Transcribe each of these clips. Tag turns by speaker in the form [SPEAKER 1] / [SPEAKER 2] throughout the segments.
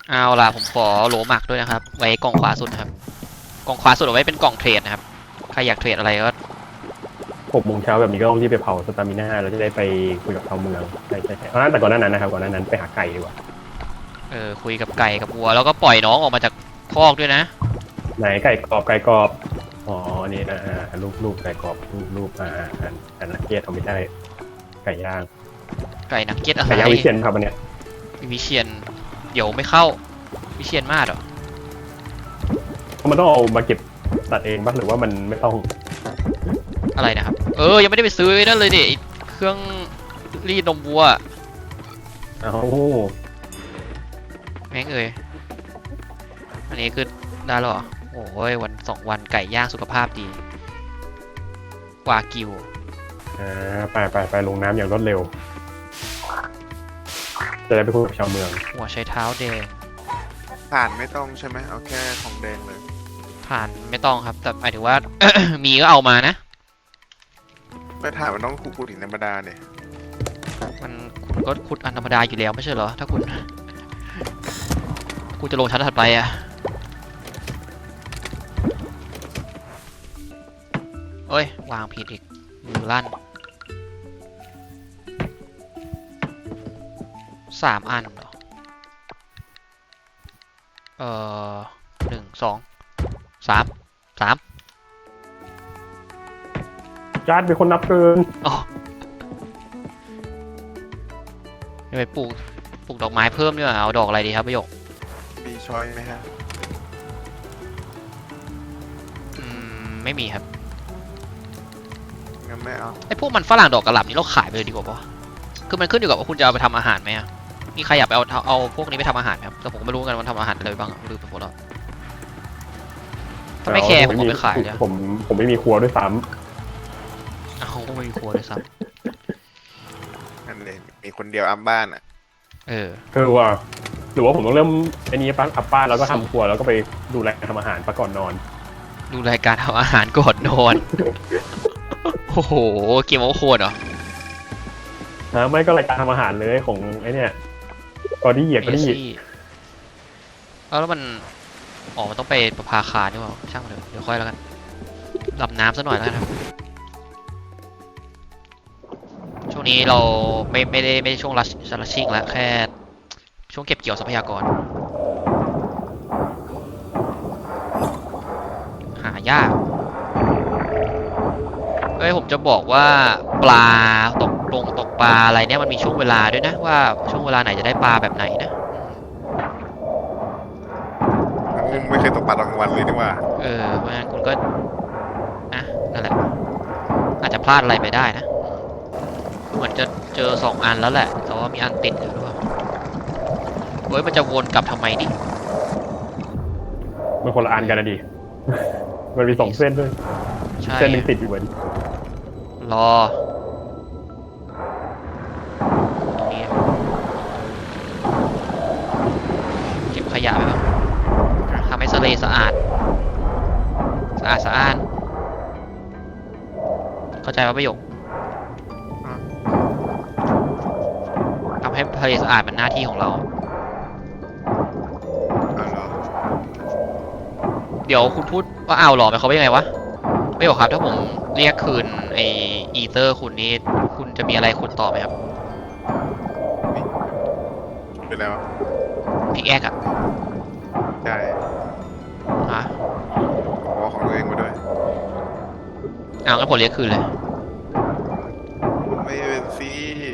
[SPEAKER 1] เอาล่ะผมขอโหลหมักด้วยนะครับไว้กล่องขวาสุดครับกล่องขวาสุดเอาไว้เป็นกล่องเทรดนะครับใครอยากเทรดอะไรก็
[SPEAKER 2] 6 โมงเช้าแบบนี้ก็ต้องรีบไปเผาสตามิน่าเราจะได้ไปคุยกับชาวเมืองใช่แต่ก่อนหน้านั้นนะครับก่อนหน้านั้นไปหาไก่ดีกว่า
[SPEAKER 1] คุยกับไก่กับวัวแล้วก็ปล่อยน้องออกมาจากคอกด้วยนะ
[SPEAKER 2] ไหนไก่กรอบอ๋ออันนี้นะรูปไก่กรอบรูปอันนักเก็ตเอาไม่ได้ไก่ย่าง
[SPEAKER 1] ไก่นักเก็ตอะไร
[SPEAKER 2] ไก่ย่างวิเชียนครับอันเนี้ย
[SPEAKER 1] วิเชียนเดี๋ยวไม่เข้าวิเชียนมากเหรอ
[SPEAKER 2] เพราะมันต้องเอามาเก็บตัดเองบ้างหรือว่ามันไม่ต้อง
[SPEAKER 1] อะไรนะครับยังไม่ได้ไปซื้อนั่นเลยดิเครื่องรีดนมวัว
[SPEAKER 2] เอา
[SPEAKER 1] แม่งอันนี้คือได้หรอโอ้ยวัน2 วันไก่ย่างสุขภาพดีกว่ากิว
[SPEAKER 2] ไปลงน้ำอย่างรวดเร็วจะได้ไปคุยกับชาวเมือง
[SPEAKER 1] หัวใช้เท้าแดง
[SPEAKER 3] ผ่านไม่ต้องใช่ไหมเอาแค่ทองแดงเลย
[SPEAKER 1] ผ่านไม่ต้องครับแต่หมายถึงว่า มีก็เอามานะ
[SPEAKER 3] ไม่ถ่านมันต้องขุดหินธรรมดาเนี่ย
[SPEAKER 1] คุณก็ขุดอันธรรมดาอยู่แล้วไม่ใช่เหรอถ้าคุณจะลงชั้นถัดไปอะเอ้ยวางผิดอีกมือลั่น3 อันเหรอ1 2 3
[SPEAKER 2] จาร์ดเป็นคนนับเกิน
[SPEAKER 1] อ๋อไปปลูกดอกไม้เพิ่มด้วยเอาดอกอะไรดีครับประโยค
[SPEAKER 3] มีช้อยไหมฮะ
[SPEAKER 1] ไม่มีครับ
[SPEAKER 3] งั้นไม่เอา
[SPEAKER 1] ไอพวกมันฝรั่งดอกกระหล่ำนี่เราขายไปเลยดีกว่าปะคือมันขึ้นอยู่กับว่าคุณจะเอาไปทำอาหารไหมอะมีใครอยากไปเอาพวกนี้ไปทำอาหารไหมครับแต่ผมไม่รู้กันว่าทำอาหารอะไรบ้างลืมไปหมดแล้วถ้าไม่แคร์ผมเอาไปขายเลย
[SPEAKER 2] ผมไม่มีครัวด้วยซ้
[SPEAKER 1] เอาไม่มีครัวด้วยซ้
[SPEAKER 3] ำนั่นเลยมีคนเดียวอัพบ้านอ่ะ
[SPEAKER 2] คือว่าหรือว่าผมต้องเริ่มอันนี้ปั้นอัพบ้านแล้วก็ทำครัวแล้วก็ไปดูแลการทำอาหารก่อนนอน
[SPEAKER 1] ดูรายการทำอาหารก่อนนอน โอ้โหเกมโอโคดเหรอ
[SPEAKER 2] ไม่ก็รายการทำอาหารเลยของไอ้นี่กอดี้
[SPEAKER 1] แล้วมันมันต้องไปประภาคารด้วยช่างมันเดี๋ยวค่อยแล้วกันดับน้ำซะหน่อยแล้วกันครับช่วงนี้เราไม่ได้ช่วงรัชชิ่งแล้วแค่ช่วงเก็บเกี่ยวทรัพยากรหายากผมจะบอกว่าปลาตกปลาอะไรเนี่ยมันมีช่วงเวลาด้วยนะว่าช่วงเวลาไหนจะได้ปลาแบบไหนนะ
[SPEAKER 3] ไม่เคยตกปลาตอนกลางวันเลยนี่ว่า
[SPEAKER 1] เพราะฉะนั้นคุณก็นั่นแหละอาจจะพลาดอะไรไปได้นะเหมือนจะเจอ2 อันแล้วแหละแต่ว่ามีอันติดอยู่หรือเปล่ามันจะวนกลับทำไมนี่
[SPEAKER 2] มันคนละอันกันนะดิมันมี2 เส้นด้วยเส้นนึงติดอยู่เหมือน
[SPEAKER 1] รอตรงนี้เก็บขยะไปบ้างทำให้ทะเลสะอาดเข้าใจว่าประโยคทำให้ทะเลสะอาดเป็นหน้าที่ของเราเดี๋ยวคุณพูดว่าเอาหรอไปเขาเป็นยังไงวะไม่บอกครับถ้าผมเรียกคืนไออีเตอร์คุณนี่คุณจะมีอะไรคุณต่อไหมครับ
[SPEAKER 3] เป็นแล้ว
[SPEAKER 1] พิกแอคอะ
[SPEAKER 3] ใช่ของตัวเองมาด้วย
[SPEAKER 1] งั้นผมเรียกคืนเลย
[SPEAKER 3] ไม่เป็นซี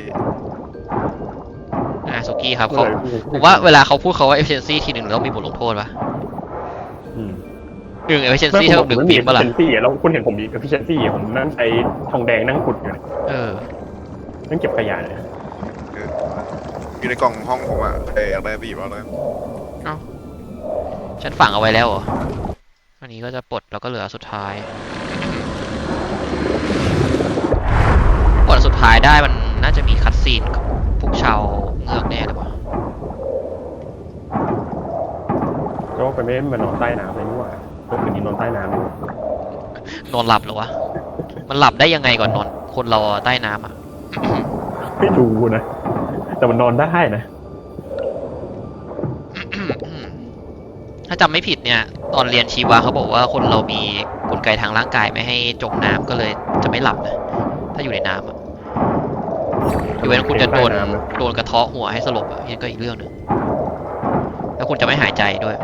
[SPEAKER 1] สุกี้ครับผมว่าเวลาเขาพูดเขาว่า efficiency ทีหนึ่งแล้วมีบทลงโทษปะefficiency เท่ากับ1 ปีป่ะล่ะ
[SPEAKER 2] แล้วคุณเห็นผมมี efficiency ผมนั่งใช้ทองแดงนั่งขุดอยู่นั่งเก็บขยะเลย
[SPEAKER 3] อยู่ในกล่องห้องผมอะอยากได้ไปหยิบเอาเลย
[SPEAKER 1] ฉันฝังเอาไว้แล้วเหรออันนี้ก็จะปลดแล้วก็เหลือสุดท้ายปลดสุดท้ายได้มันน่าจะมีคัตซีนกับพวกชาวเงือกแน่เลยป่ะ
[SPEAKER 2] ก็ไปไม่มานอนใต้น้ำเลยนี่หว่าคืนนี้นอนใต้น้ำเลย
[SPEAKER 1] นอนหลับเหรอวะมันหลับได้ยังไงก่อนนอนคนเราใต้น้ำอะ
[SPEAKER 2] ไม่รู้นะแต่มันนอนได้นะ
[SPEAKER 1] ถ้าจำไม่ผิดเนี่ย ตอนเรียนชีวะเขาบอกว่าคนเรามีกลไกทางร่างกายไม่ให้จมน้ำก็เลยจะไม่หลับนะถ้าอยู่ในน้ำอะยกเว้นคุณจะโดนกระเทาะหัวให้สลบอ่ะนี่ก็อีกเรื่องหนึ่งแล้วคุณจะไม่หายใจด้วย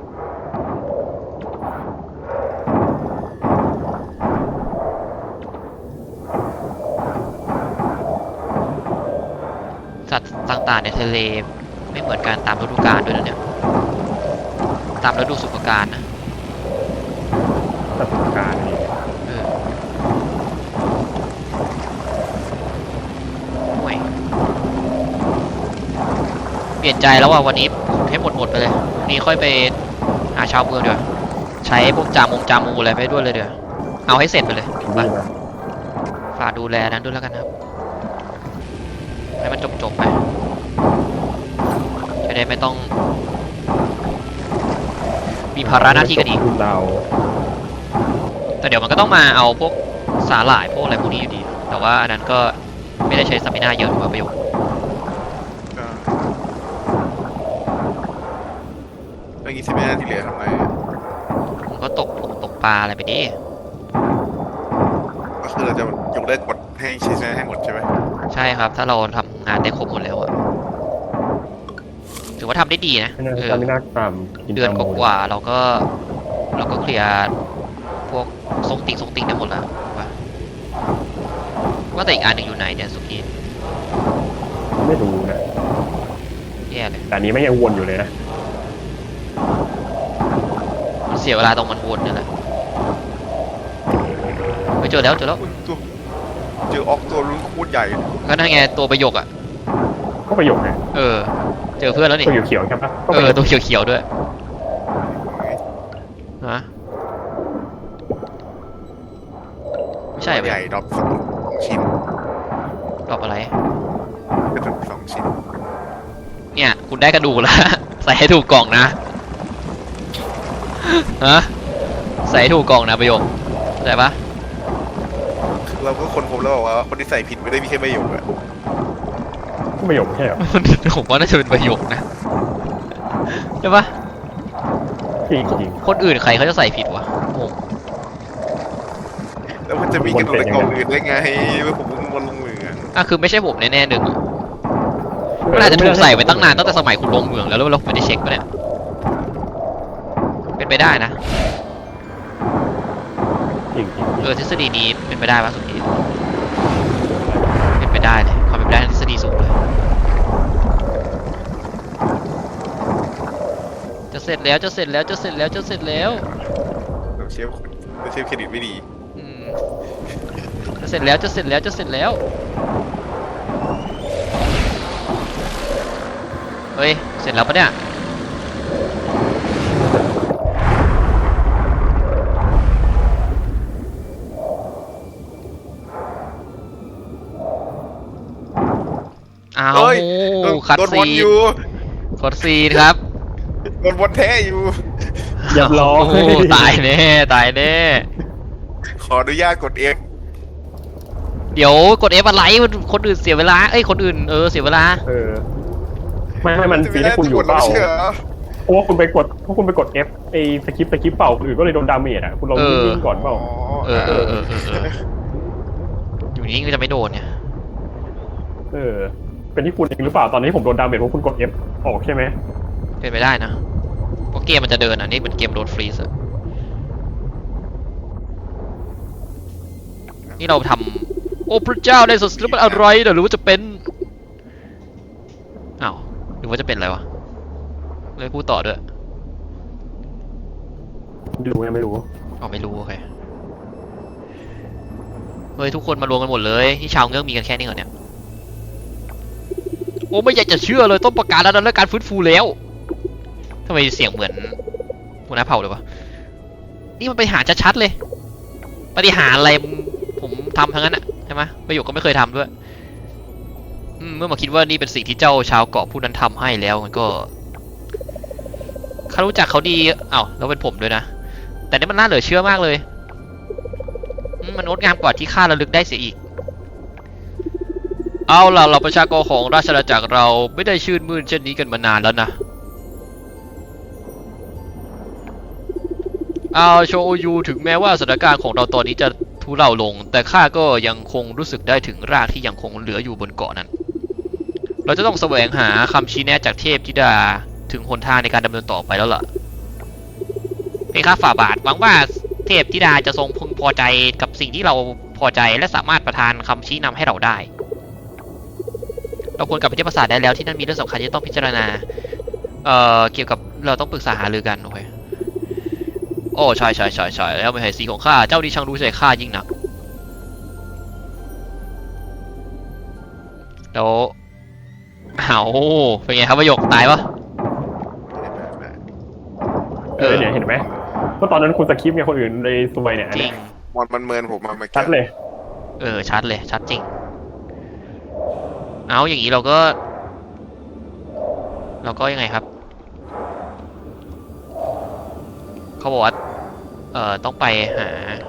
[SPEAKER 1] สัตว์ต่างๆในทะเลไม่เหมือนกันตามฤดูกาลด้วยนะเนี่ยตามฤดูสุขกาลนะ
[SPEAKER 2] ประสบการณ์นี่
[SPEAKER 1] เออห่วยเปลี่ยนใจแล้วว่ะวันนี้ให้หมดไปเลยพรุ่งนี้ค่อยไปหาชาวเมืองเดี๋ยวาใช้พวกจามูอะไรไปด้วยเลยเดี๋ยวาเอาให้เสร็จไปเลย
[SPEAKER 2] ดี
[SPEAKER 1] ไป
[SPEAKER 2] นะ
[SPEAKER 1] ฝากดูแลนั้นด้วยแล้วกันครับ ให้มันจบไปจะได้ไม่ต้อง มีภาระหน้าที่กันอีก
[SPEAKER 2] เรา
[SPEAKER 1] แต่เดี๋ยวมันก็ต้องมาเอาพวกสาหร่ายพวกอะไรพวกนี้อยู่ดี แต่ว่าอันนั้นก็ไม่ได้ใช้สมินาเยอะหรือว่าประโยชน์
[SPEAKER 3] ก็เมื่อกี้สิบนาทีเหลือทำไง
[SPEAKER 1] ผมก็ตกปลาอะไรไปดิ
[SPEAKER 3] ก็คือเราจะยกเลิกกดให้ใช้ให้หมดใช่ไหม
[SPEAKER 1] ใช่ครับ ถ้าเราทำงานได้ครบหมดแล้วอะถือว่าทำได้ดีนะ
[SPEAKER 2] ไม่น่า
[SPEAKER 1] เออ
[SPEAKER 2] จะไม่น่าตามกิน
[SPEAKER 1] เดือน
[SPEAKER 2] ตาม
[SPEAKER 1] กว่าๆเราก็เคลียร์พวกทรงติ่งได้หมดแล้วว่าแต่อีกอันหนึ่งอยู่ไหนเนี่ยสุกี้
[SPEAKER 2] ไม่รู้นะ
[SPEAKER 1] แย่เลย
[SPEAKER 2] แต่อันนี้ไม่ยังวนอยู่เลยนะ
[SPEAKER 1] มันเสียเวลาตรงมันวนนี่แหละไปเจอแล้ว
[SPEAKER 3] อุ๊ยตัวเจอออกตัวรุ่นโคตรใหญ่
[SPEAKER 1] ก็นั่นไงตัวประโยคอะ
[SPEAKER 2] ก็ประโยคไง
[SPEAKER 1] เออ เจอเพื่อนแล้วนี่
[SPEAKER 2] ตัวเขียวๆใช่ปะก็
[SPEAKER 1] เอ
[SPEAKER 2] ประ
[SPEAKER 1] อ
[SPEAKER 2] โยค
[SPEAKER 1] ตัวเขียวๆด้วยฮะไม่ใช่เหรอ
[SPEAKER 3] ใหญ่ดรอปสองชิ้น
[SPEAKER 1] ตอบอะไร
[SPEAKER 3] กระดูกสองชิ้น
[SPEAKER 1] เนี่ยคุณได้กระดูกแล้ว ใส่ให้ถูกกล่องนะฮะใส่ให้ถูกกล่องนะประโยคเข้าใจปะ
[SPEAKER 3] เราก็คนพบแล้วบอกว่าคนที่ใส่ผิดไม่ได้มีแค่ประโยคอะ
[SPEAKER 2] ก็ประโยคไม่ใช่เหรอ
[SPEAKER 1] ผมว่าน่าจะเป็นประโยคนะใช่ปะ
[SPEAKER 2] จริงจริง
[SPEAKER 1] คนอื่นใครเขาจะใส่ผิดวะงง
[SPEAKER 3] แล้วมันจะมีกระดูกในกล่องอื่นได้ไงเมื่อผมเพิ่งวนลงมืออะ
[SPEAKER 1] อ่ะคือไม่ใช่ผมแน่ๆหนึ่งอะมันอาจจะถูกใส่ไว้ตั้งนานตั้งแต่สมัยคุณลงเมืองแล้วเราไม่ได้เช็คปะเนี่ยเป็นไปได้นะ
[SPEAKER 2] จริงจริง
[SPEAKER 1] ทฤษฎีนี้เป็นไปได้ปะสุดทีเป็นไปได้เลยความเป็นไปได้ทางทฤษฎีสูงเลยจะเสร็จแล้ว
[SPEAKER 3] เชฟเครดิตไม่ดี
[SPEAKER 1] อืมจะเสร็จแล้ว เฮ้ย เสร็จแล้วปะเนี่ย อ้าว
[SPEAKER 3] เฮ้ย
[SPEAKER 1] คัด
[SPEAKER 3] โดน
[SPEAKER 1] ซี
[SPEAKER 3] วนอยู่
[SPEAKER 1] คัดซีนครับ
[SPEAKER 3] โดนวนแท้อยู่
[SPEAKER 2] เรียบร้อย
[SPEAKER 1] โอ้ตายแน่
[SPEAKER 3] ขออนุญาตกด F
[SPEAKER 1] เดี๋ยวกด F อะไรคนอื่นเสียเวลา เอ้ย คนอื่นเสียเวลา
[SPEAKER 2] เออไม่มันฟีให้คุณอยู่เปล่า
[SPEAKER 3] เชื่อ
[SPEAKER 2] เพราะว่าคุณไปกด F ไอ้สกิปเปล่าคนอื่นก็เลยโดนดาเมจอ่ะคุณลองนิ่งๆก่อนเปล่า
[SPEAKER 1] เออ อยู่นี่ก็จะไม่โดนเนี่ย
[SPEAKER 2] เออ เป็นที่คุณเองหรือเปล่าตอนนี้ผมโดนดาเมจเพราะคุณกด F ออกใช่ไหม
[SPEAKER 1] เป็นไปได้นะเพราะเกมมันจะเดินอ่ะ นี่เป็นเกมโดนฟรีซอะนี่เราทำโอ้พระเจ้าได้สดแล้วมันอะไรเดี๋ยวหรือว่าจะเป็นอ้าวหรือว่าจะเป็นอะไรวะเลยพูดต่อด้วย
[SPEAKER 2] ดูยังไม่รู้
[SPEAKER 1] อ๋อไม่รู้โอเคเฮ้ยทุกคนมารวมกันหมดเลยที่ชาวเงือกมีกันแค่นี้เหรอเนี่ยโอ้ไม่อยากจะเชื่อเลยต้องประกาศแล้วนะการฟื้นฟูแล้วทำไมเสียงเหมือนหัวหน้าเผ่าเลยวะนี่มันไปหาชัดๆเลยปฏิหารอะไรผมทำทั้งนั้นอะใช่ไหมประโยคก็ไม่เคยทำด้วยเมื่อมาคิดว่านี่เป็นสิ่งที่เจ้าชาวเกาะผู้นั้นทำให้แล้วมันก็ข้ารู้จักเขาดีอ้าวแล้วเป็นผมด้วยนะแต่นี่มันน่าเหลือเชื่อมากเลยมันงดงามกว่าที่ข้าระลึกได้เสียอีกเอาล่ะเราประชากรของราชอาณาจักรเราไม่ได้ชื่นมื่นเช่นนี้กันมานานแล้วนะโชยูถึงแม้ว่าสถานการณ์ของเราตอนนี้จะทุเลาลง แต่ข้าก็ยังคงรู้สึกได้ถึงรากที่ยังคงเหลืออยู่บนเกาะนั้น เราจะต้องแสวงหาคำชี้แนะจากเทพธิดาถึงหนทางในการดำเนินต่อไปแล้วล่ะเป็นข้าฝ่าบาทหวังว่าเทพธิดาจะทรงพึงพอใจกับสิ่งที่เราพอใจและสามารถประทานคำชี้นำให้เราได้ เราควรกลับไปที่ปราสาทได้แล้วที่นั่นมีเรื่องสำคัญที่ต้องพิจารณาเกี่ยวกับเราต้องปรึกษาหารือกันโอเคโอ้ใช่แล้วไม่ใช่สีของข้าเจ้านี่ช่างรู้ใจข้ายิ่งนักแล้วเอาเป็นไงครับประโยคตายปะ
[SPEAKER 2] เนี่ยเห็นไหมเพราะตอนนั้นคุณสคริปต์ไงคนอื่นเลยซวยเนี่ย
[SPEAKER 1] จริง
[SPEAKER 3] มอนมันเมินผมมาเมื่อกี้
[SPEAKER 2] ชัดเลย
[SPEAKER 1] ชัดเลยชัดจริงเอาอย่างนี้เราก็ยังไงครับเขาบอกว่าต้องไปหา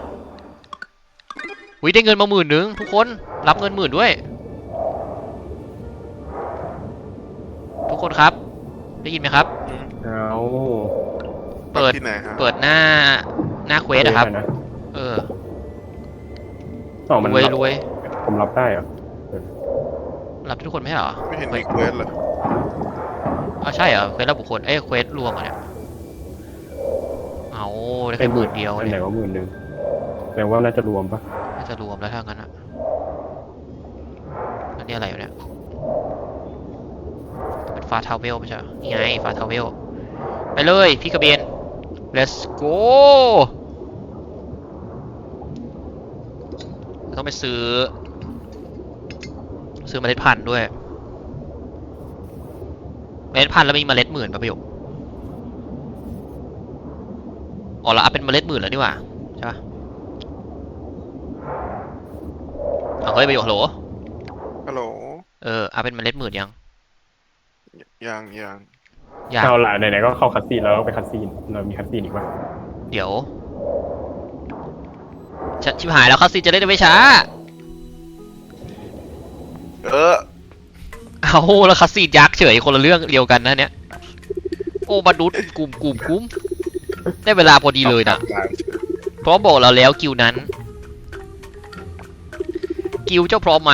[SPEAKER 1] ได้เงินมา10,000ทุกคนรับเงิน10,000ด้วยทุกคนครับได้ยินไหมครับ
[SPEAKER 2] เอา
[SPEAKER 1] เปิด
[SPEAKER 3] ที่ไหนฮะ
[SPEAKER 1] เปิดหน้าเควสอะครับ
[SPEAKER 2] มัน
[SPEAKER 1] รวย
[SPEAKER 2] ผมรับได้เหรอ
[SPEAKER 1] รับทุกคนไม่ใช่เหรอ
[SPEAKER 3] ไม่เห็นมีเควสเลย
[SPEAKER 1] ใช่เหรอเควสรับบุคคลเควสรวมอ่ะเนี่ยเอาได้แค่10,000เดียว
[SPEAKER 2] อัน
[SPEAKER 1] เนี่
[SPEAKER 2] ไหน
[SPEAKER 1] ย
[SPEAKER 2] ว่า10,000แปลว่าน่าจะรวมปะ
[SPEAKER 1] น่าจะรวมแล้วถ้างั้นอ่ะแล้วนี่อะไรอยู่เนี่ยเป็นฟาทาวเวลไม่ใช่เหรอนี่ไงฟาทาวเวลไปเลยพี่กระเบน let's go ต้องไปซื้อเมล็ดพันธุ์ด้วยเมล็ดพันธุ์แล้วมีเมล็ด10,000ป่ะประโยคอ๋อแล้วเป็นเมล็ด10,000แล้วนี่หว่าใช่ป่ะเอาเฮ้ยประโยคฮัลโหล
[SPEAKER 3] ฮัลโหล
[SPEAKER 1] เป็นเมล็ด10,000ยัง
[SPEAKER 3] ยัง
[SPEAKER 2] เอาล่ะไหนๆก็เข้าคัสซีนแล้วไปคัสซีนเรามีคัสซีนอีกปะ
[SPEAKER 1] เดี๋ยวชิบหายแล้วคัสซีนจะได้ไม่ช้าเอาแล้วคัสซีนยักษ์เฉยคนละเรื่องเดียวกันนะเนี่ยโอ้บรรดุษกลุ่มคุ้มได้เวลาพอดีเลยนะเพราะบอกเราแล้วกิวนั้นกิวเจ้าพร้อมไหม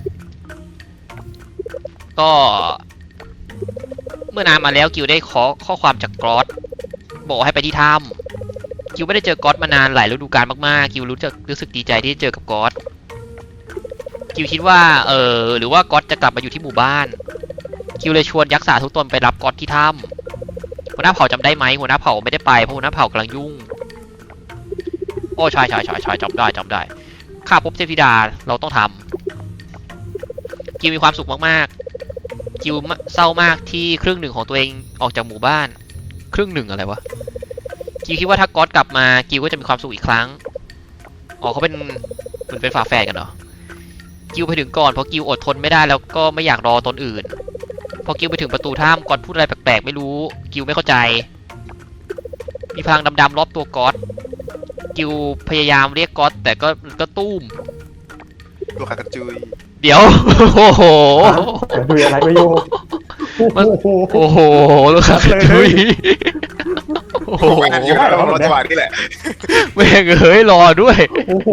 [SPEAKER 1] ก็เมื่อนานมาแล้วกิวได้ขอข้อความจากกรอสบอกให้ไปที่ถ้ำกิวไม่ได้เจอกรอสมานานหลายฤดูกาลมากๆกิวรู้สึกดีใจที่ได้เจอกับกรอสกิวคิดว่าหรือว่ากรอสจะกลับมาอยู่ที่หมู่บ้านกิวเลยชวนยักษ์สาทุกตนไปรับกรอสที่ถ้ำหัวหน้าเผ่าจำได้ไหมหัวหน้าเผ่าไม่ได้ไปเพราะหัวหน้าเผ่ากำลังยุ่งโอ้ใช่จำได้ข้าพบเทพธิดาเราต้องทำกิวมีความสุขมากๆกิวเศร้ามากที่ครึ่งหนึ่งของตัวเองออกจากหมู่บ้านครึ่งหนึ่งอะไรวะกิวคิดว่าถ้าก๊อตกลับมากิวก็จะมีความสุขอีกครั้งเขาเป็นเหมือนเป็นฝาแฝดกันเหรอกิวไปถึงก่อนเพราะกิวอดทนไม่ได้แล้วก็ไม่อยากรอตนอื่นพอกิวไปถึงประตูถ้ำก๊อตพูดอะไรแปลกๆไม่รู้กิวไม่เข้าใจมีพลังดำๆรอบตัวก๊อตกิวพยายามเรียกก๊อตแต่ก็ตุ้ม
[SPEAKER 3] ตัวขากระจุย
[SPEAKER 1] เดี๋ยวโอ้โห
[SPEAKER 2] ดูอะไรไม่โยก
[SPEAKER 1] โอ้โหลูกค้าดุยโอ้โห
[SPEAKER 3] ผมอ่านอยู่แล้วรถจังหวะนี่แหละ
[SPEAKER 1] แม่งเอ้ยรอด้วย
[SPEAKER 2] โอ้โห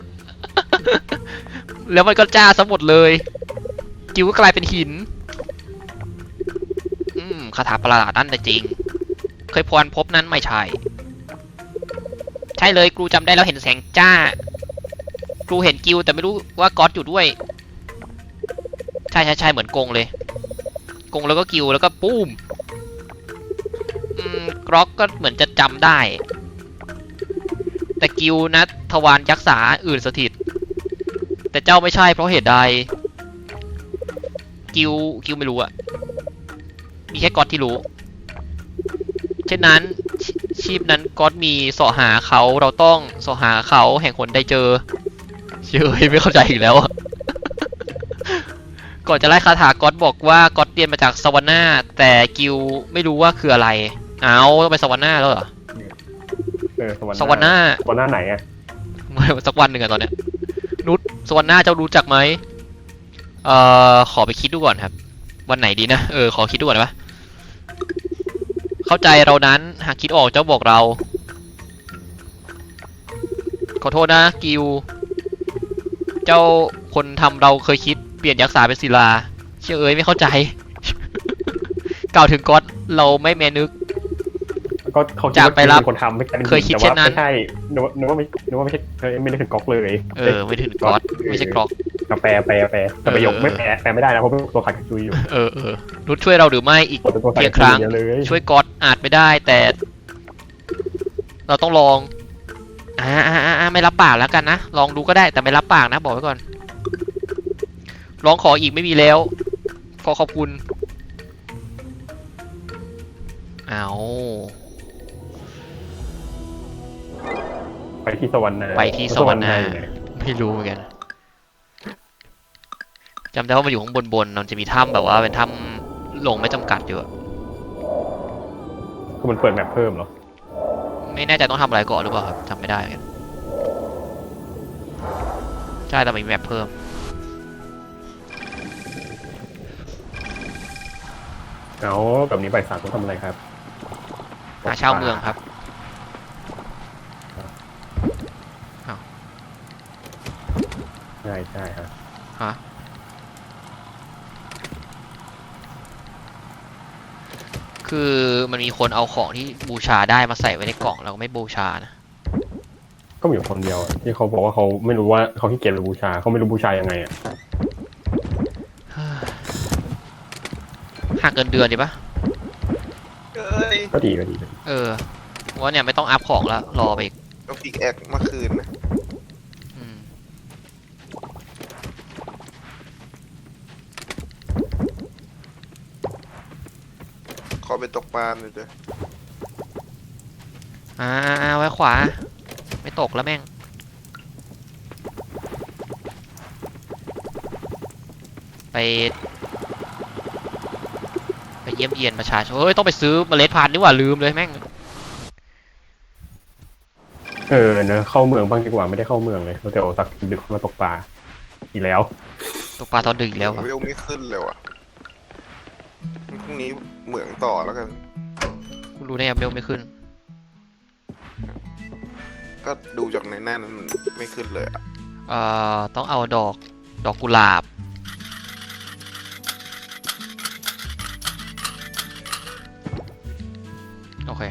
[SPEAKER 1] แล้วมันก็จ้าซะหมดเลย กิวก็กลายเป็นหินคาถาประหลาดนั่นแต่จริง เคยพรพบนั้นไม่ใช่ ใช่เลยครูจำได้แล้วเห็นแสงจ้าครูเห็นกิวแต่ไม่รู้ว่าก๊อตอยู่ด้วยใช่เหมือนกงเลยกงแล้วก็กิวแล้วก็ปุ้มกร็อกก็เหมือนจะจำได้แต่กิวนะทวารยักษ์สาอื่นสถิตแต่เจ้าไม่ใช่เพราะเหตุใดกิวไม่รู้อะมีแค่ก๊อตที่รู้เช่นนั้นชีพนั้นก๊อตมีเสาะหาเขาเราต้องเสาะหาเขาแห่งคนได้เจอไม่เข้าใจอีกแล้ว ก่อนจะไล่คาถาก๊อตบอกว่าก๊อตเรียนมาจากสวรรค์หน้าแต่กิวไม่รู้ว่าคืออะไรต้องไปสวรรค์หน้าแล้วเหรอสวรรค์หน้า
[SPEAKER 2] ไหนอะ
[SPEAKER 1] สักวันหนึ่งอะตอนเนี้ยนุชสวรรค์หน้าเจ้ารู้จักไหมขอไปคิดดูก่อนครับวันไหนดีนะขอคิดดูก่อนได้ปะเข้าใจเรานั้นหากคิดออกเจ้าบอกเราขอโทษนะกิวเจ้าคนทำเราเคยคิดเปลี่ยนยักษ์สาเป็นศิลาเชื่อเอ้ยไม่เข้าใจ กล่าวถึงก๊อตเราไม่แมนึก
[SPEAKER 2] ก็เขาคิด
[SPEAKER 1] จาก
[SPEAKER 2] ว่า
[SPEAKER 1] ไปรับ
[SPEAKER 2] เป็นคนทำไม่ใช่
[SPEAKER 1] เคยคิดเช่นนั้น
[SPEAKER 2] แต่ว่าไม่ใช่นึกว่าไม่ใช่ไม่ได้ถึงก๊อกเลย
[SPEAKER 1] ไม่ถึงก๊อตไม่ใช่กรอก
[SPEAKER 2] แปลแต่ประโยคไม่แปลไม่ได้นะเพราะเป็นตัวขัดจุยอยู่
[SPEAKER 1] นุชช่วยเราหรือไม่อีก
[SPEAKER 2] เป็นตัวขัด
[SPEAKER 1] เพียง
[SPEAKER 2] จุ
[SPEAKER 1] ครั้ง
[SPEAKER 2] ยเลย
[SPEAKER 1] ช่วยก๊อตอาจไม่ได้แต่ เราต้องลองไม่รับปากแล้วกันนะลองดูก็ได้แต่ไม่รับปากนะบอกไว้ก่อนร้องขออีกไม่มีแล้วขอบคุณเอา
[SPEAKER 2] ไปที่สวรรค์นา
[SPEAKER 1] ไปที่สวรรค์นา
[SPEAKER 2] อยู่ไหน
[SPEAKER 1] ไม่รู้เหมือนกันจำได้ว่ามันอยู่ข้างบนมันจะมีถ้ำแบบว่าเป็นถ้ำลงไม่จำกัดอยู่อะ
[SPEAKER 2] คือมันเปิดแมปเพิ่มเหรอ
[SPEAKER 1] ไม่แน่ใจต้องทำอะไรก่อนหรือเปล่าครับจำไม่ได้เหมือนกันใช่แต่มีแมปเพิ่ม
[SPEAKER 2] เอาแบบนี้ใบสามต้องทำอะไรครับ
[SPEAKER 1] หาเช่าเมืองครับ
[SPEAKER 2] ใช่ฮะ
[SPEAKER 1] ฮะคือมันมีคนเอาของที่บูชาได้มาใส่ไว้ในกล่องแล้วก็ไม่บูชานะ
[SPEAKER 2] ก็มีอยู่คนเดียวอะที่เขาบอกว่าเขาไม่รู้ว่าเขาขี้เกียจหรือบูชาเขาไม่รู้บูชายังไงอ่ะ
[SPEAKER 1] หักเงินเดือนดีปะ
[SPEAKER 3] เอ้ย
[SPEAKER 2] ก็ดี
[SPEAKER 1] ว่าเนี่ยไม่ต้องอัพของแล้วรอไปอีก
[SPEAKER 3] เอาพิกแอคมาคืนนะ
[SPEAKER 1] อืม
[SPEAKER 3] ขอไปตกปลาหน่อยเถอะ
[SPEAKER 1] ไว้ขวา ไม่ตกแล้วแม่ง ไปเยี่ยมเยียนประชาชนต้องไปซื้อเมล็ดพันธุ์นี่หว่าลืมเลยแม่ง
[SPEAKER 2] เนอะเข้าเมืองบ้างดีกว่าไม่ได้เข้าเมืองเลยเราจะเอาสักดึกมาตกปลาอีกแล้ว
[SPEAKER 1] ตกปลาตอนดึกอีกแล้วอะ
[SPEAKER 3] เวลไม่ขึ้นเลยว่ะพรุ่งนี้เหมืองต่อแล้วกัน
[SPEAKER 1] คุณรู้ได้ยังเบลไม่ขึ้น
[SPEAKER 3] ก็ดูจากในหน้านั้นมันไม่ขึ้นเลยอ่ะ
[SPEAKER 1] ต้องเอาดอกกุหลาบ โอเค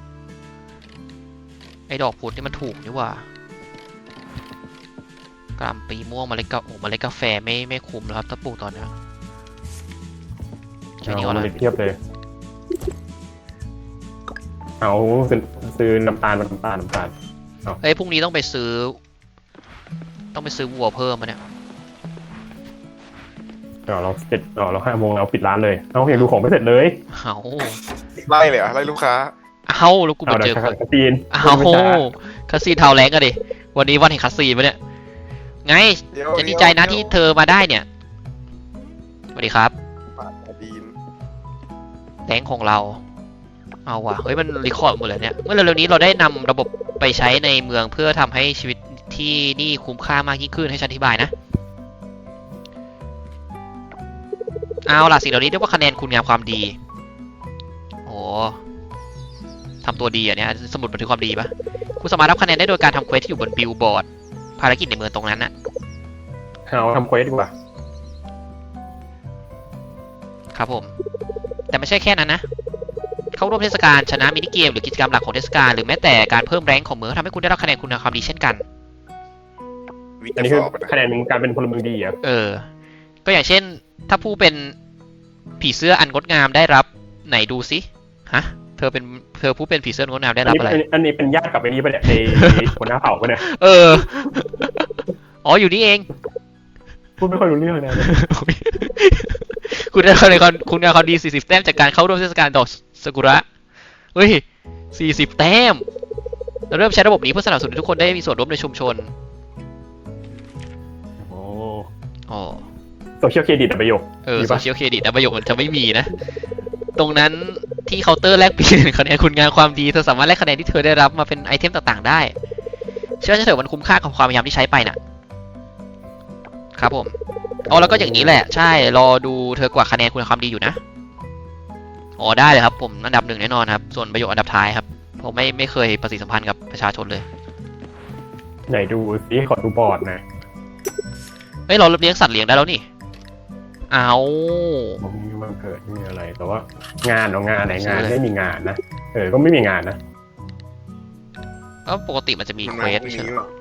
[SPEAKER 1] ไอ้ดอกพุธนี่มันถูกนี่หว่ากรัมปีม่วงเมล็ดกาแฟไม่คุ้มแล้วครับถ้าปลูกตอนนี้แค่นี้ก็
[SPEAKER 2] เอา
[SPEAKER 1] แล้
[SPEAKER 2] มาว เทียบเลย เอาซื้อน้ำตาลมาน้ำตาล
[SPEAKER 1] เอ้ยพรุ่งนี้ต้องไปซื้อวัวเพิ่มมาเนี่ย
[SPEAKER 2] เรา5 โมงเราปิดร้านเลยเอาอยากดูของไม่เสร็จเลย
[SPEAKER 1] เอา
[SPEAKER 3] ไล่เลยเหรอ่ะไล่ลูกค้า
[SPEAKER 1] แล้วกูไปเจอคน
[SPEAKER 2] คาซีน
[SPEAKER 1] คาซีนเทาแรงกันดิวันนี้วันแห่งคาซีนปะเนี่ยไง
[SPEAKER 3] เดี๋ยว
[SPEAKER 1] จะดีใจนะที่เธอมาได้เนี่ยสวัสดีครับ
[SPEAKER 3] ปาดดีน
[SPEAKER 1] แรงของเราเอาว่ะเฮ้ยมันรีคอร์ดหมดเลยเนี่ยเมื่อเร็วๆนี้เราได้นำระบบไปใช้ในเมืองเพื่อทำให้ชีวิตที่นี่คุ้มค่ามากยิ่งขึ้นให้ฉันอธิบายนะเอาล่ะสิ่งเหล่านี้เรียกว่าคะแนนคุณงามความดีโอ้ทำตัวดีอ่ะเนี่ยสมุดบันทึกความดีปะคุณสามารถรับคะแนนได้โดยการทำเควสที่อยู่บนบิลบอร์ดภารกิจในเมืองตรงนั้นน่ะ
[SPEAKER 2] เอาทำเควสดีกว่า
[SPEAKER 1] ครับผมแต่ไม่ใช่แค่นั้นนะเข้าร่วมเทศกาลชนะมินิเกมหรือกิจกรรมหลักของเทศกาลหรือแม้แต่การเพิ่มแรงของเมืองทำให้คุณได้รับคะแนนคุณงามความดีเช่นกัน
[SPEAKER 3] วิ
[SPEAKER 2] อัน
[SPEAKER 3] จะ
[SPEAKER 2] นี้
[SPEAKER 3] ส
[SPEAKER 2] คือ
[SPEAKER 3] อบอะนะ
[SPEAKER 2] คะแนนการเป็นพลเมืองดีอ่ะ
[SPEAKER 1] ก็อย่างเช่นถ้าผู้เป็นผีเสื้ออันงดงามได้รับไหนดูสิฮะเธอผู้เป็นผีเสื้ออันงดงามได้รับอะไร
[SPEAKER 2] อันนี้เป็นญาติกับไอ้นี้ปะเนี่ยไอ้หัวหน้าเผ่าปะเนี่ย
[SPEAKER 1] อ๋ออยู่นี่เอง
[SPEAKER 2] พูดไม่ค่อยรู้เรื่องเลย
[SPEAKER 1] คุณได้คะแนนคุณงามความดี40 แต้มจากการเข้าร่วมเทศกาลดอกซากุระเฮ้ย40 แต้มเราเริ่มใช้ระบบนี้เพื่อสนับสนุนให้ทุกคนได้มีส่วนร่วมในชุมชน
[SPEAKER 2] โอ้
[SPEAKER 1] อ๋อ
[SPEAKER 2] โซเชียลเครดิตประโยค มี
[SPEAKER 1] โซ
[SPEAKER 2] ปะ
[SPEAKER 1] เชียลเครดิตประโยคมันจะไม่มีนะ ตรงนั้นที่เคาน์เตอร์แลกเปลี่ยนคะแนนคุณงามความดีเธอสามารถแลกคะแนนที่เธอได้รับมาเป็นไอเทมต่างๆได้ เชื่อฉันเถอะมันคุ้มค่ากับความพยายามที่ใช้ไปน่ะ ครับผมอ๋อแล้วก็อย่างนี้แหละ ใช่รอดูเธอกว่าคะแนนคุณงามความดีอยู่นะอ๋อได้เลยครับผมอันดับ 1แน่นอนครับส่วนประโยคอันดับท้ายครับผมไม่เคยประสิทธิสัมพันธ์กับประชาชนเลย
[SPEAKER 2] ไหนดูสิขอดูบอร์ดหน่อย
[SPEAKER 1] เฮ้ยเราเลี้ยงสัตว์เลี้ยงได้แล้วนี่เอา
[SPEAKER 2] มันเกิดไม่มีอะไร แต่ว่างานเอางานไหนงาน
[SPEAKER 1] ใช่เลย
[SPEAKER 2] ไม่มีงานนะก็ไม่มีงานนะ
[SPEAKER 1] ก็ปกติมันจะมี
[SPEAKER 3] มัน
[SPEAKER 1] เคว
[SPEAKER 3] มา
[SPEAKER 1] ส
[SPEAKER 3] พรุ่ง
[SPEAKER 1] ใช่
[SPEAKER 3] นี้
[SPEAKER 1] ไหม
[SPEAKER 3] หรอ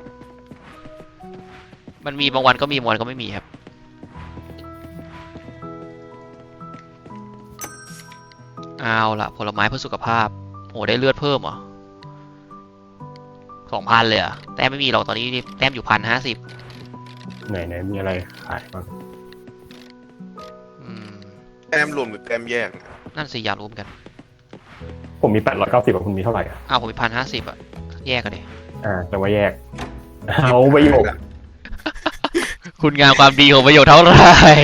[SPEAKER 1] มันมีบางวันก็มีบางวันก็ไม่มีครับเอาล่ะผลไม้เพื่อสุขภาพโอ้ได้เลือดเพิ่มเหรอ2,000เลยเหรอ่ะแต้มไม่มีหรอกตอนนี้แต้มอยู่1,050
[SPEAKER 2] ไหนมีอะไรขายบ้าง
[SPEAKER 1] อืม
[SPEAKER 3] แต้มรวมหรือแต้มแยก
[SPEAKER 1] นั่นสิอยากรู้เหมือนกัน
[SPEAKER 2] ผมมี890กับคุณมีเท่าไหร่อ่ะ
[SPEAKER 1] อ้าวผมมี1,050อ่ะแยกกันดิ
[SPEAKER 2] แต่ว่าแยก เอาประโยค
[SPEAKER 1] คุณงามความดีของประโยชน์เท่าไหร่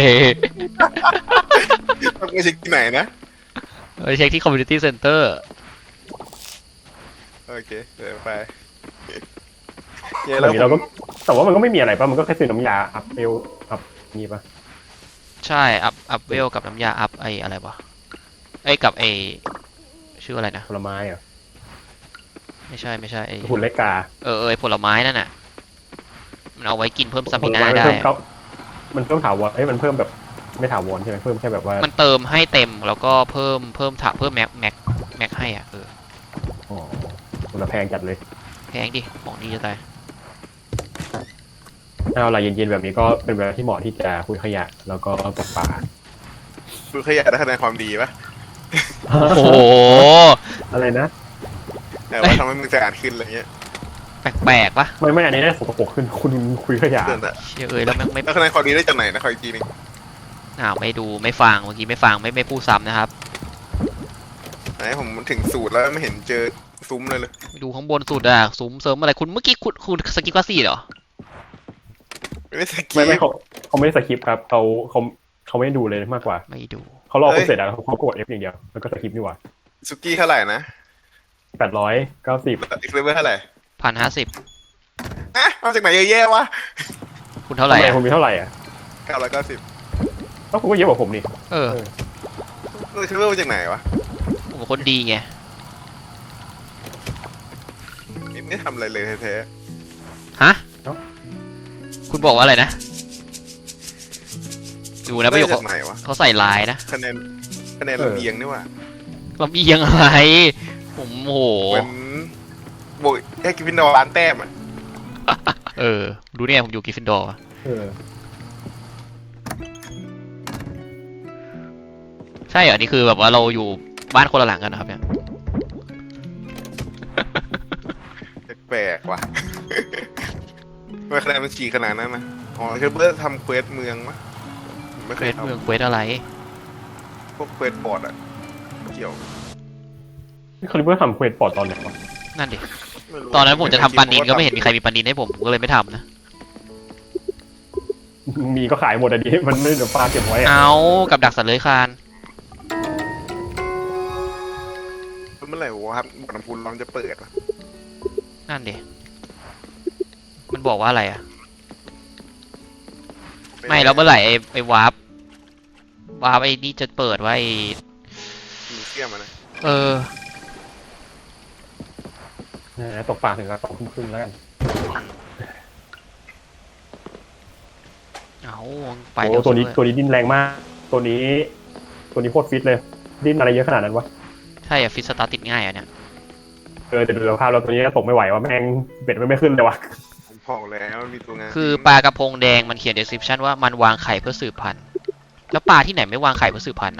[SPEAKER 3] ต้องไปเช็คที่ไหนนะ
[SPEAKER 1] ไปเช็คที่ community center
[SPEAKER 3] โอเคเดี๋ยวไป
[SPEAKER 2] แล้
[SPEAKER 3] แล้ว ว
[SPEAKER 2] เราก็แต่ว่ามันก็ไม่มีอะไรป่ะมันก็แค่ซื้อน้ำยาอัพเอลอัพนี่ป่ะ
[SPEAKER 1] ใช่อัพเวลกับน้ำยาอัพไออะไรวะไอกับไอชื่ออะไรนะ
[SPEAKER 2] ผลไม้อ่ะ
[SPEAKER 1] ไม่ใช่ไอ
[SPEAKER 2] หุ่นเล็กกา
[SPEAKER 1] ไอผลไม้นั่นน่ะมันเอาไว้กินเพิ่มส
[SPEAKER 2] ผ
[SPEAKER 1] มิ
[SPEAKER 2] ล
[SPEAKER 1] นา
[SPEAKER 2] ไม้มัน
[SPEAKER 1] ได้
[SPEAKER 2] เพิ่มเขามันเพิ่มถาวรมันเพิ่มแบบไม่ถาวรใช่ไหมเพิ่มแค่แบบว่า
[SPEAKER 1] มันเติมให้เต็มแล้วก็เพิ่มแม็กให้อ่ะ
[SPEAKER 2] อ๋อมันแพงจัดเลย
[SPEAKER 1] แพงดิของดีจะตาย
[SPEAKER 2] ถ้าเวลาเย็นๆแบบนี้ก็เป็นเวลาที่เหมาะที่จะคุยขยะแล้วก็ตกปลา
[SPEAKER 3] ดูขยะได้คะแนนความดีปะ
[SPEAKER 1] โอ้โห
[SPEAKER 2] อะไรนะ
[SPEAKER 3] แต่ว่าทำให้มึงสะอาดขึ้นอะไรเงี้ย
[SPEAKER 1] แปลกๆปะ
[SPEAKER 2] ไม่อันนี้ได้สกปรกขึ้นคุณคุยขยะ
[SPEAKER 3] เดินอะ
[SPEAKER 1] เชี่ยแล้วแม่งไม่
[SPEAKER 3] แล้วคะแนนความดีได้จากไหนนะขออีกทีนึง
[SPEAKER 1] ไม่ดูไม่ฟังเมื่อกี้ไม่ฟังไม่พูดซ้ำนะครับ
[SPEAKER 3] ไหนผมถึงสูตรแล้วไม่เห็นเจอซุ้มเลย
[SPEAKER 1] ดูข้างบนสุดอะซุ้มเสริมอะไรคุณเมื่อกี้คุณสกิปว่า4เหรอ
[SPEAKER 3] ไม่สกี
[SPEAKER 2] ไม่เขาไม่ได้สคริปต์ครับเขาไม่ได้ดูเลยมากกว่า
[SPEAKER 1] ไม่ดู
[SPEAKER 2] เขารอคุณเสร็จแล้วเขากด F อย่างเดียวแล้วก็สคริปต์นี่หว่า
[SPEAKER 3] สุกี้เท่าไหร่นะ
[SPEAKER 2] 890
[SPEAKER 3] อีกเลเวลเท่าไหร่
[SPEAKER 1] 1,050
[SPEAKER 3] มาจากไหนเยอะแยะวะ
[SPEAKER 1] คุณเท่าไหร่
[SPEAKER 2] ทำไม
[SPEAKER 1] อะ
[SPEAKER 2] คุณมีเท่าไหร่อ่ะ
[SPEAKER 3] 990
[SPEAKER 2] ก็คุณก็เยอะกว่าผมนี่
[SPEAKER 1] เออ
[SPEAKER 3] เลเวลมาจากไหนวะ
[SPEAKER 1] ผมเป็นคนดีไง
[SPEAKER 3] ไม่ทำอะไรเลยแท้
[SPEAKER 1] ฮะคุณบอกว่าอะไรนะดู
[SPEAKER 3] ๆ
[SPEAKER 1] นะประโยค
[SPEAKER 3] ได้จากไหนวะ
[SPEAKER 1] เขาใส่ลายนะ
[SPEAKER 3] คะแนนลำเอียงนี่ว่ะ
[SPEAKER 1] ลำเอียงอะไร ผมโอ้โห
[SPEAKER 3] เหมือนโบยแค่กิฟฟินดอร์ร้านแต้มอ่ะ
[SPEAKER 1] ดูเนี่ยผมอยู่กริฟฟินดอร์
[SPEAKER 2] เออ
[SPEAKER 1] ใช่เหรอนี่คือแบบว่าเราอยู่บ้านคนละหลังกันนะครับเนี่ย
[SPEAKER 3] แปลกๆว่ะ ไม่คะแนนมันฉีกขนาดนั้นนะอ๋อคือเพื่อทำเควสเมืองมะไม่
[SPEAKER 1] เคว
[SPEAKER 3] เคย
[SPEAKER 1] ส
[SPEAKER 3] ท
[SPEAKER 1] เมืองเควสอะไร
[SPEAKER 3] ำพวกเควสบอร์ดอ่ะเกี่ยว
[SPEAKER 2] นี่เขาเรียกว่าทำเควสปอร์ตตอนไหนวะ
[SPEAKER 1] นั่นดิ
[SPEAKER 3] ไม่รู้
[SPEAKER 1] ตอนนั้นผมจะทำปันนินก็ไม่เห็นมีใครมีปันนินให้ผมก็เลยไม่ทำนะ
[SPEAKER 2] มีก็ขายหมดอะดิมันไม่เดี๋ยวปลาเก็บไว้อะ
[SPEAKER 1] เอากับดักสัตว์เลื้อยคลาน
[SPEAKER 3] เมื่อไหร่วะครับบ่อน้ำพุร้อนจะเปิดวะ
[SPEAKER 1] นั่นดิมันบอกว่าอะไรอ่ะไม่แล้วเมื่อไหร่ไอ้วาร์ปไอ้นี่จะเปิดว่าไอ้
[SPEAKER 3] มีเสี้ยมอะนะ
[SPEAKER 1] เออ
[SPEAKER 2] ตกปลาถึงกับ2 ทุ่มครึ่งแล้วกัน
[SPEAKER 1] เอาไป
[SPEAKER 2] โอ้
[SPEAKER 1] เร็ว
[SPEAKER 2] ตัวนี้
[SPEAKER 1] สุดเลย
[SPEAKER 2] ตัวนี้ดิ้นแรงมาก ตัวนี้โคตรฟิตเลย ดิ้นอะไรเยอะขนาดนั้นวะ
[SPEAKER 1] ใช่อะฟิสตาร์ติดง่ายอ่ะเนี่ย
[SPEAKER 2] แต่ดูสภาพแล้วตัวนี้ก็ตกไม่ไหวว่าแม่งเบ็ดไม่ขึ้นเลยวะ
[SPEAKER 3] ผมบอกแล้วมันมีตัวงาน
[SPEAKER 1] คือปลากระพงแดงมันเขียน description ว่ามันวางไข่เพื่อสืบพันธุ์แล้วปลาที่ไหนไม่วางไข่เพื่อสืบพันธุ์นะ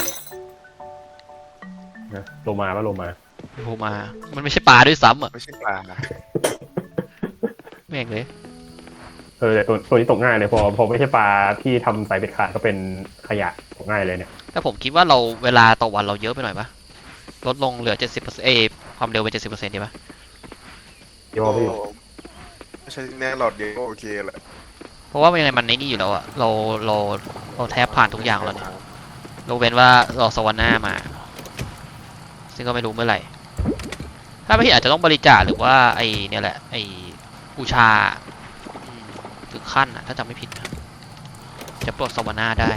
[SPEAKER 2] โลมาปะโลมา
[SPEAKER 1] โผล่มา มันไม่ใช่ปลาด้วยซ้ำอ่ะ
[SPEAKER 3] ไม่ใช่ปลานะ
[SPEAKER 1] แม่งเลย
[SPEAKER 2] แต่ตัวนี้ตกง่ายเลยพอไม่ใช่ปลาที่ทำสายเบ็ดขาดก็เป็นขยะตกง่ายเลยเนี่ย
[SPEAKER 1] แต่ผมคิดว่าเราเวลาต่อวันเราเยอะไปหน่อยปะลดลงเหลือ 70%ความเร็วไป 70%ดีปะ
[SPEAKER 2] เดี๋ยวพี่
[SPEAKER 3] ไม่ใช่แน่หลอดเดียวก็โอเคแหละ
[SPEAKER 1] เพราะว่ายังไงมันในนี่อยู่แล้วอ่ะเราแทบผ่านทุกอย่างแล้วเนี่ยยกเว้นว่าเราสวรรค์หน้ามา ซึ่งก็ไม่รู้เมื่อไหร่ ถ้าไม่ผิดอาจจะต้องบริจาคหรือว่าไอเนี่ยแหละไอบูชาถึงขั้นอ่ะถ้าจำไม่ผิดนะจะปลดสวรรค์หน้าได้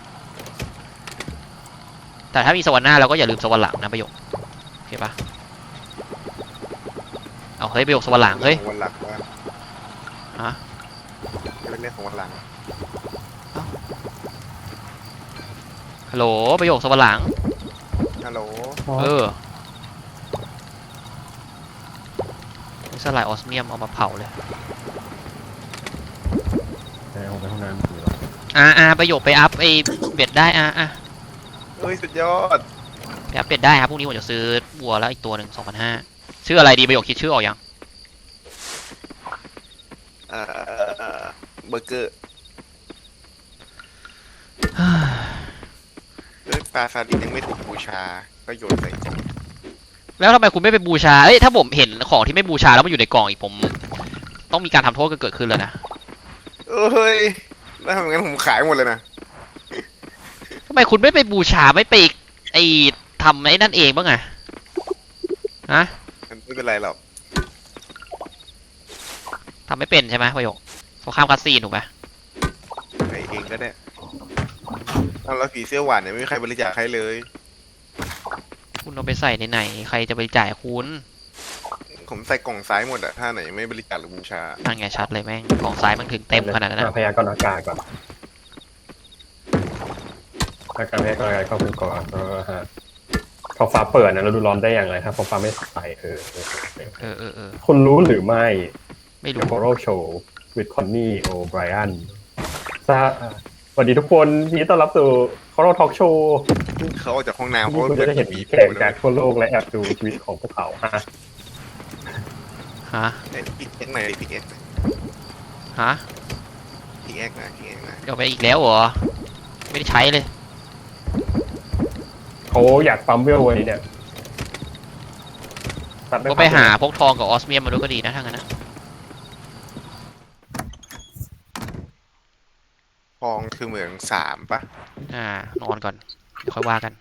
[SPEAKER 1] แต่ถ้ามีสวรรค์หน้าเราก็อย่าลืมสวรรค์หลังนะประโยคโอเคปะเอาเฮ้ยประโยคสวรรค์หลังเฮ้ย
[SPEAKER 3] วันหลักว่า
[SPEAKER 1] ฮะ
[SPEAKER 3] จะเป็นเรื่องของวันหลัง
[SPEAKER 1] ฮัลโหลประโยคสวรรค์หลัง
[SPEAKER 3] ฮัลโหล
[SPEAKER 1] เออสลายออสเมียมเอามาเผาเลย
[SPEAKER 2] แต่ผมไปห้องน้ำอยู่วะ
[SPEAKER 1] ประโยคไปอัพไอเบ็ดได้
[SPEAKER 3] เฮ้ยสุดยอด
[SPEAKER 1] ไปอัพเบ็ดได้ครับพรุ่งนี้ผมจะซื้อวัวแล้วอีกตัวหนึ่ง2,500ชื่ออะไรดีประโยคคิดชื่อออกยัง
[SPEAKER 3] เบอร์เกอร์เฮ้ยปลาซาดิสยังไม่ถูกบูชาก็โยนใส่กล่อง
[SPEAKER 1] แล้วทำไมคุณไม่ไปบูชาเอ้ยถ้าผมเห็นของที่ไม่บูชาแล้วมันอยู่ในกล่องอีกผมต้องมีการทำโทษเกิดขึ้นแล้วนะ
[SPEAKER 3] เฮ้ยแล้วทำงั้นผมขายหมดเลยนะ
[SPEAKER 1] ทำไมคุณไม่ไปบูชาไม่ไปไอ้ทำไอ้นั่นเองบ้างอะฮะ
[SPEAKER 3] มันไม่เป็นไรหรอก
[SPEAKER 1] ทำไม่เป็นใช่ไหมประโยคสงครามคาสซีนถูกไหม
[SPEAKER 3] ไปเองก็ได้เอาแล้วผีเสื้อหวานเนี่ยไม่มีใครบริจาคให้เลย
[SPEAKER 1] คุณเอาไปใส่ในไหนใครจะไปจ่ายคุณ
[SPEAKER 3] ผมใส่กล่องซ้ายหมดอะถ้าไหนไม่บริจาคหรือบูชา
[SPEAKER 1] นั่นไงชัดเลยแม่งกล่องซ้ายมันถึงเต็มขนาดนั้นนะ
[SPEAKER 2] พยากรณ์อากาศก่อนถ้าการพยากรณ์อากาศก็คือก่อนฮะท้องฟ้าเปิดนะเราดูร้อนได้อย่างไรถ้าท้องฟ้าไม่ใสคุณรู้หรือไม่
[SPEAKER 1] ไม่รู้
[SPEAKER 2] The Horror Show with Connie O'Brien สวัสดีทุกคนยินดีต้อนรับสู่ Horror Talk Show
[SPEAKER 3] เขาออกจากห้องน้ำ
[SPEAKER 2] ที่
[SPEAKER 3] เขา
[SPEAKER 2] คุณ
[SPEAKER 3] เปิ
[SPEAKER 2] จะ
[SPEAKER 3] ด
[SPEAKER 2] ได้เห็น
[SPEAKER 3] ผี
[SPEAKER 2] แขกจากทั่วโลกและแอบดูชีวิตของพวกเขาฮะ
[SPEAKER 1] ฮะ
[SPEAKER 3] พิกเอ็กไหนพิกเอ็ก
[SPEAKER 1] ฮะ
[SPEAKER 3] พิกเอ็กนะพิกเอ็กนะ
[SPEAKER 1] เอาไปอีกแล้วเหรอไม่ได้ใช้เลย
[SPEAKER 2] เขาอยากปั๊มเวลไว้เนี่ยตัดด้
[SPEAKER 1] ก็ไปหาพวกทองกับออสเมียมมาด้วยก็ดีนะทั้งนั้นนะ
[SPEAKER 3] ทองคือเหมืองสามปะ
[SPEAKER 1] นอนก่อนเดี๋ยวค่อยว่ากัน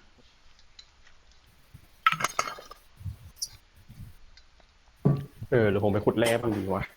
[SPEAKER 2] หรือผมไปขุดแร่บ้างดีวะ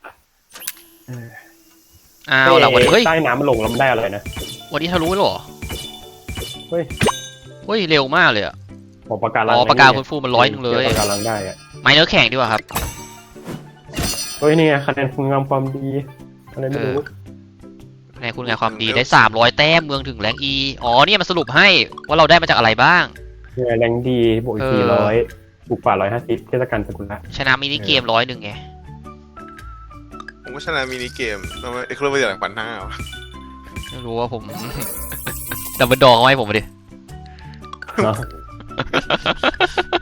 [SPEAKER 1] เอาล่ะวันนี้เฮ้ย
[SPEAKER 2] ใต้น้ำมันลงแล้วมันได้อะไรนะ
[SPEAKER 1] วันนี้ทะลุแล้วเหรอ
[SPEAKER 2] เฮ้ย
[SPEAKER 1] เฮ้ยเร็วมากเลยอะ
[SPEAKER 2] ปากการัง
[SPEAKER 1] ปากกาคุณฟูมัน100เลย
[SPEAKER 2] ปากการังได้อะ
[SPEAKER 1] ไม้เนื้อแข็งดีกว่าครับ
[SPEAKER 2] เฮ้ยนี่ไงคะแนนคุณงามความดีอะไรไม่รู้
[SPEAKER 1] ในคุณงานความดีได้300แต้มเมืองถึงแรงอีอ๋อเนี่ยมันสรุปให้ว่าเราได้มาจากอะไรบ้าง
[SPEAKER 2] เนี่ยแรงดีบวกอีก400บุกป่า150เทศกาลสกุละ
[SPEAKER 1] ชนะมินิเกม100ไง
[SPEAKER 3] ผมก็ชนะมินิเกมทำไมเอ็กซ์โรเวอร์จาก1,500วะ
[SPEAKER 1] ไม่รู้ว่าผม ดับเบิลดองเอาให้ผมมาดิ
[SPEAKER 2] เนาะ